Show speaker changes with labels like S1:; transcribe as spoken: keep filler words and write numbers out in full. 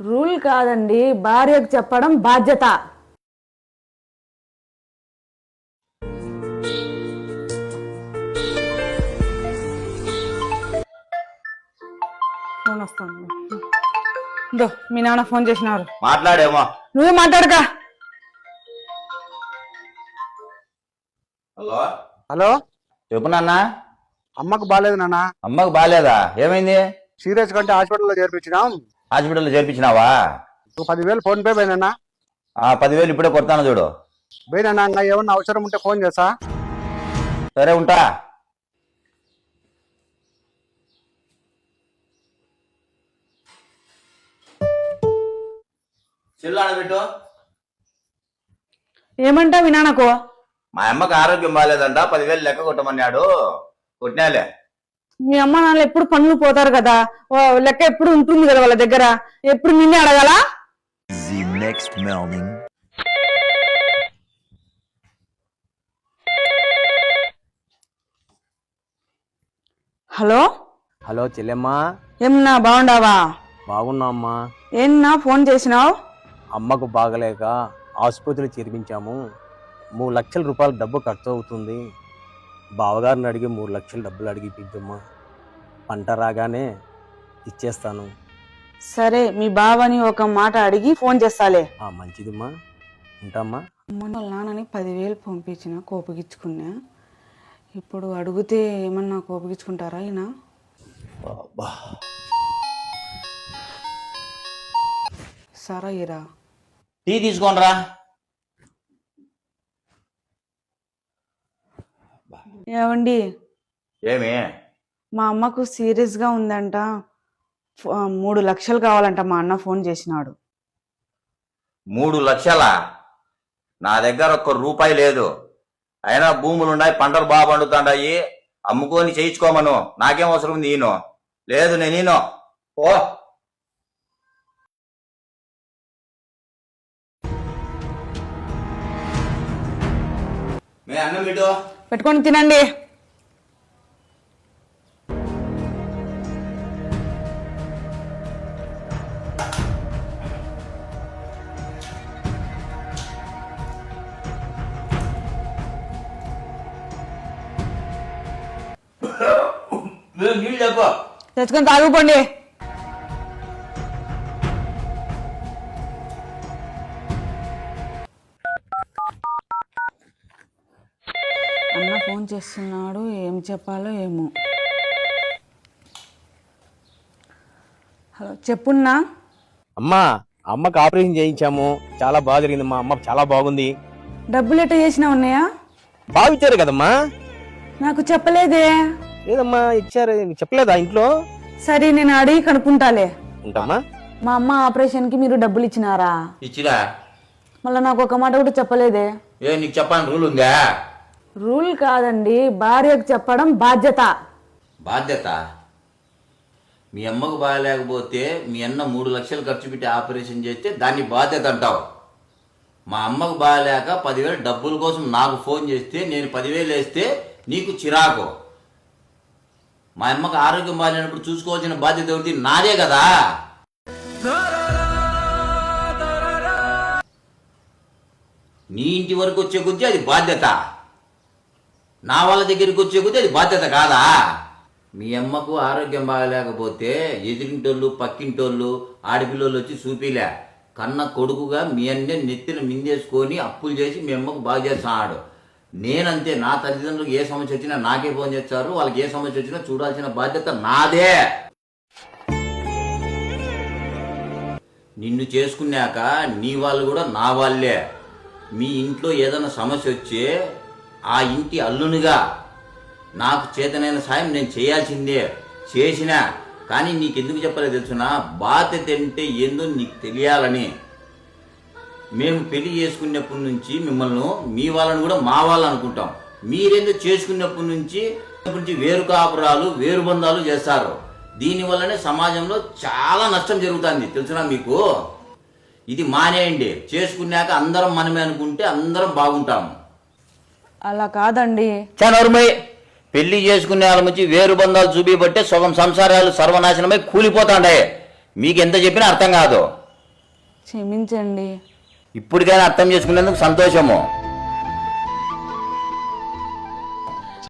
S1: Rule కాదండి, భార్యకు చెప్పడం బాధ్యత. ఫోన్ వస్తాను. దో మీ నాన్న ఫోన్ చేసినారు,
S2: మాట్లాడేమో.
S1: నువ్వే మాట్లాడక.
S2: హలో
S3: హలో,
S2: చెప్పు నాన్న.
S3: అమ్మకు బాగాలేదు నాన్న.
S2: అమ్మకు బాగాలేదా? ఏమైంది?
S3: సీరియస్ కంటే హాస్పిటల్లో చేర్పించినాం.
S2: హాస్పిటల్లో చేర్పించినావా?
S3: ఒక పదివేలు ఫోన్ పే పోయినా.
S2: ఆ పదివేలు ఇప్పుడే కొడతాను చూడు.
S3: పోయినా, ఇంకా ఏమన్నా అవసరం ఉంటే ఫోన్ చేస్తా.
S2: సరే ఉంటా. చెల్లు పెట్టు.
S1: ఏమంటా మీ నాన్నకు?
S2: మా అమ్మకి ఆరోగ్యం బాగాలేదంట, పదివేలు లెక్క కొట్టమన్నాడు. కొట్టినాలే.
S1: మీ అమ్మ నాన్న ఎప్పుడు పనులు పోతారు కదా, లెక్క ఎప్పుడు ఉంటుంది కదా వాళ్ళ దగ్గర, ఎప్పుడు నిన్నే అడగాల? హలో
S4: హలో చెల్లెమ్మా,
S1: ఏమన్నా బాగుండావా?
S4: బాగున్నా అమ్మా.
S1: ఏమన్నా ఫోన్ చేసినావు?
S4: అమ్మకు బాగలేక ఆసుపత్రి చేర్పించాము. మూడు లక్షల రూపాయలు డబ్బు ఖర్చు అవుతుంది. బావగారిని అడిగి మూడు లక్షల డబ్బులు అడిగి ఇప్పించమ్మా. పంట రాగానే ఇచ్చేస్తాను.
S1: సరే, మీ బావని ఒక మాట అడిగి ఫోన్ చేస్తాలే.
S4: ఆ మంచిదిమ్మా, ఉంటామ్మా.
S1: మొన్న వాళ్ళ నాన్నని పదివేలు పంపించిన, కోపగించుకున్నా. ఇప్పుడు అడిగితే ఏమన్నా కోపగించుకుంటారా ఈయన? సరా ఇరా,
S2: టీ తీసుకోనరా.
S1: ఏమండి,
S2: ఏమి?
S1: మా అమ్మకు సీరియస్ గా ఉందంట, మూడు లక్షలు కావాలంట. మా అన్న ఫోన్ చేసినాడు.
S2: మూడు లక్షలా? నా దగ్గర ఒక్క రూపాయి లేదు. అయినా భూములు ఉన్నాయి, పంటలు బాగా పండుతాయి, అమ్ముకొని చేయించుకోమను. నాకేం అవసరం ఉంది? ఈయన లేదు, నేను ఈయన ఓ మీ అన్నం ఇటు
S1: పెట్టుకొని తినండి.
S2: నీళ్ళు చెప్పు.
S1: తెచ్చుకొని తాగుకోండి. అన్న ఫోన్ చేస్తున్నాడు, ఏం చెప్పాలో ఏమో. హలో, చెప్పున్నా.
S4: అమ్మా, అమ్మకు ఆపరేషన్ చేయించాము. చాలా బాగా జరిగింది. మా అమ్మ చాలా బాగుంది.
S1: డబ్బులు ఎట్ట చేసినా ఉన్నాయా?
S4: బాగా ఇచ్చారు కదమ్మా.
S1: నాకు చెప్పలేదే.
S4: లేదమ్మా, ఇచ్చారు. చెప్పలేదా ఇంట్లో?
S1: సరే, నేను అడిగి కనుక్కుంటాలే.
S4: ఉంటామా.
S1: మా అమ్మ ఆపరేషన్ కి మీరు డబ్బులు ఇచ్చినారా?
S2: ఇచ్చిరా.
S1: మళ్ళీ నాకు ఒక మాట కూడా చెప్పలేదే.
S2: ఏ నీకు చెప్పాలని రూల్ ఉందా?
S1: రూల్ కాదండి, భార్యకు చెప్పడం బాధ్యత.
S2: బాధ్యత? మీ అమ్మకు బాగాలేకపోతే మీ అన్న మూడు లక్షలు ఖర్చు పెట్టి ఆపరేషన్ చేస్తే దాన్ని బాధ్యత అంటావు. మా అమ్మకు బాగాలేక పదివేలు డబ్బుల కోసం నాకు ఫోన్ చేస్తే నేను పదివేలు వేస్తే నీకు చిరాకు. మా అమ్మకు ఆరోగ్యం బాగాలేనప్పుడు చూసుకోవాల్సిన బాధ్యత ఒకటి నాదే కదా. నీ ఇంటి వరకు వచ్చే కొద్దీ అది బాధ్యత, నా వాళ్ళ దగ్గరికి వచ్చే కొద్దీ అది బాధ్యత కాదా? మీ అమ్మకు ఆరోగ్యం బాగలేకపోతే ఎదిరింటోళ్ళు పక్కింటోళ్ళు ఆడపిల్లలు వచ్చి చూపిలే. కన్న కొడుకుగా మీ అన్నే నెత్తిన మిందేసుకొని అప్పులు చేసి మీ అమ్మకు బాగా చేస్తున్నాడు. నేనంతే, నా తల్లిదండ్రులకు ఏ సమస్య వచ్చినా నాకే ఫోన్ చేస్తారు. వాళ్ళకి ఏ సమస్య వచ్చినా చూడాల్సిన బాధ్యత నాదే. నిన్ను చేసుకున్నాక నీ వాళ్ళు కూడా నా వాళ్ళే. మీ ఇంట్లో ఏదైనా సమస్య వచ్చే ఆ ఇంటి అల్లునిగా నాకు చేతనైన సాయం నేను చేయాల్సిందే, చేసినా. కానీ నీకెందుకు చెప్పలేదు తెలుసునా? బాధ్యత అంటే ఏందో నీకు తెలియాలని. మేము పెళ్లి చేసుకున్నప్పటి నుంచి మిమ్మల్ని మీ వాళ్ళని కూడా మా వాళ్ళు అనుకుంటాం. మీరేందో చేసుకున్నప్పటి నుంచి నుంచి వేరు కాపురాలు వేరు బంధాలు చేస్తారు. దీనివల్లనే సమాజంలో చాలా నష్టం జరుగుతుంది తెలుసునా మీకు. ఇది మానేయండి. చేసుకున్నాక అందరం మనమే అనుకుంటే అందరం బాగుంటాము.
S1: అలా కాదండి.
S2: చనరుమై పెళ్లి చేసుకునే వాళ్ళ నుంచి వేరు బంధాలు చూపిబట్టే సగం సంసారాలు సర్వనాశనమై కూలిపోతాండే. మీకు ఎంత చెప్పినా అర్థం కాదు.
S1: క్షమించండి.
S2: ఇప్పటికైనా అర్థం చేసుకునేందుకు సంతోషము.